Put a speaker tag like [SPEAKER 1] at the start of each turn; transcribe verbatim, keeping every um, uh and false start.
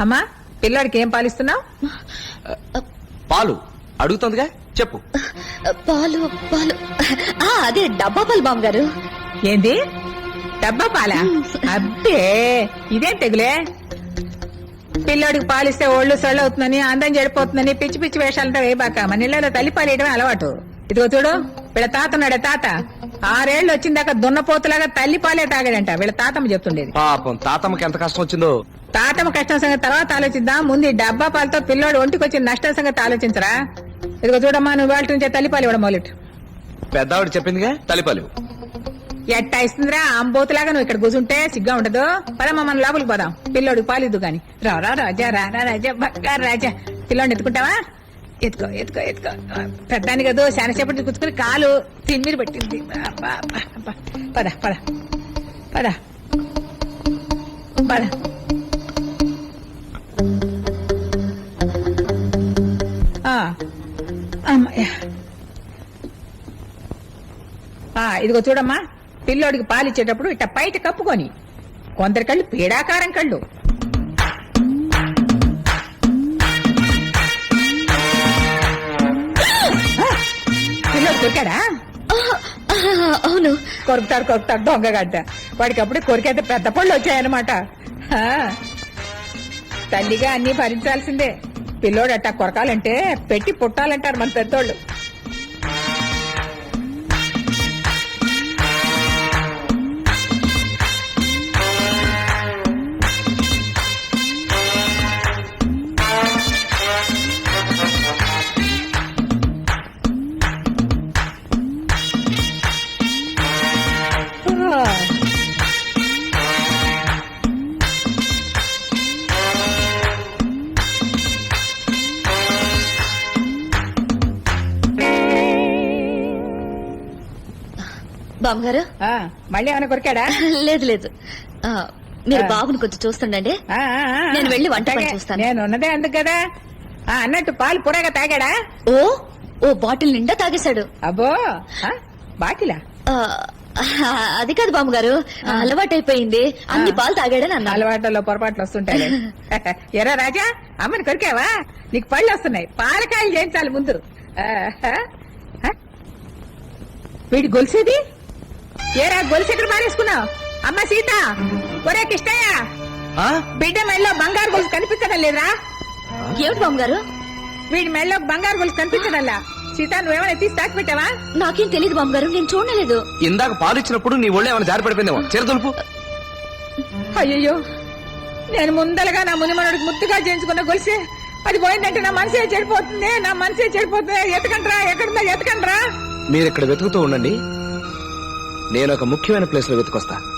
[SPEAKER 1] అమ్మా పిల్లాడికి ఏం పాలిస్తున్నావు?
[SPEAKER 2] పాలు అడుగుతుందిగా, చెప్పు.
[SPEAKER 3] పాలు పాలు ఆ, అదే డబ్బా పాలు బామ్మగారు.
[SPEAKER 1] ఏంది డబ్బా పాలా? అబ్బే ఇదేం తెగులే. పిల్లోడికి పాలిస్తే ఒళ్ళు సొళ్ళు అవుతుందని, అందం చెడిపోతుందని పిచ్చి పిచ్చి వేషాలంతా వేయబాక. మన ఇళ్లలో తల్లి పాలేయడమే అలవాటు. ఇదిగో చూడు, వీళ్ళ తాతన్నాడే తాత ఆరేళ్లు వచ్చిందాక దున్నపోతులాగా తల్లి పాలే తాగాడంట. వీళ్ళ తాతమ్మ చెప్తుండేది.
[SPEAKER 2] పాపం తాతమ్మకి ఎంత కష్టం వచ్చిందో.
[SPEAKER 1] తాతమ్మ కష్టం సంగతి తర్వాత ఆలోచిద్దాం, ముందు ఈ డబ్బా పాలతో పిల్లోడు ఒంటికి వచ్చిన నష్టం సంగతి ఆలోచించరా. ఇదిగో చూడమ్మా, నువ్వు వాళ్ళ నుంచే తల్లిపాలు ఇవ్వడం మొదలెట్టు.
[SPEAKER 2] పెద్దవాడు చెప్పిందిగా, తల్లిపాలు.
[SPEAKER 1] ఎట్టా ఇస్తుందిరా అంబోతులాగా నువ్వు ఇక్కడ కూర్చుంటే సిగ్గా ఉండదు. పదమ్మా మనం లోపలికి పోదాం, పిల్లోడికి పాలు ఇద్దు గాని. రా రా రాజా రా రా రాజా బంగారు రాజా. పిల్లోడిని ఎత్తుకుంటావా? ఎత్తుకో ఎత్తుకో ఎత్తుకో. పెద్దాన్ని కదా శానసేపటి కూర్చుకుని కాలు తిమ్మిరి పెట్టింది. పద పద పద పద. ఇదిగో చూడమ్మా, పిల్లోడికి పాలిచ్చేటప్పుడు ఇట్ట పైట కప్పుకొని. కొందరి కళ్ళు పీడాకారం కళ్ళు. పిల్లోడు కొరికాడా?
[SPEAKER 3] అవును,
[SPEAKER 1] కొరుకుతాడు కొరుకుతాడు దొంగగడ్డ. వాడికి అప్పుడే కొరికైతే పెద్ద పళ్ళు వచ్చాయన్నమాట. తల్లిగా అన్ని భరించాల్సిందే. పిల్లోడు అట్టా కొరకాలంటే పెట్టి పుట్టాలంటారు మన పెద్దోళ్ళు.
[SPEAKER 3] బామ్మగారు
[SPEAKER 1] మళ్ళీ ఏమైనా కొరికాడా?
[SPEAKER 3] లేదు లేదు, మీరు బాబుని కొంచెం చూస్తుండండి, నేను వెళ్ళి వంట పని చూస్తాను.
[SPEAKER 1] నేను ఉన్నదే అందుకు కదా. అన్నట్టు పాలు పురాగా తాగాడా?
[SPEAKER 3] ఓ ఓ బాటిల్ నిండా తాగేశాడు.
[SPEAKER 1] అబ్బో బాటిలా?
[SPEAKER 3] అది కాదు బామ్మగారు, అలవాటైపోయింది. అన్ని పాలు తాగాడని అన్న.
[SPEAKER 1] అలవాట్లలో పొరపాట్లు వస్తుంటాయి. ఎరా రాజా, అమ్మని కొరికావా? నీకు పళ్ళు వస్తున్నాయి, పాలకాయలు చేయించాలి ముందు. వీడి గొలిసేది ఏరా? గొలుసు ఎక్కడ మారేసుకున్నావు? అమ్మ సీత, ఒరే కిష్టయ్య, బిడ్డ మెళ్ళలో బంగారు గొలుసు కనిపించడం లేదురా?
[SPEAKER 3] ఏమిటి బామ్మగారు?
[SPEAKER 1] వీడి మెళ్ళలో బంగారు గొలుసు కనిపించడంలా. సీత, నువ్వేమైనా తీసి తాకి పెట్టావా?
[SPEAKER 3] నాకేం తెలియదు బామ్మగారు, నేను చూడలేదు.
[SPEAKER 2] ఇందాక పాలు ఇచ్చినప్పుడు నీ ఒళ్ళు ఏమైనా జారి పడిపోయిందేమో. చిరతలుపు.
[SPEAKER 1] అయ్యయ్యో, నేను ముందలగా నా మునిమనుడికి ముద్దుగా చేయించుకున్న గొలిసే అది పోయిందంటే నా మనసే చెడిపోతుంది. నా మనసే చెడిపోతుంది. ఎతకండ్రా, ఎక్కడుందా ఎతకండ్రా.
[SPEAKER 2] మీరు ఇక్కడ వెతుకుతూ ఉండండి, నేను ఒక ముఖ్యమైన ప్లేస్ లో వెతుకొస్తా.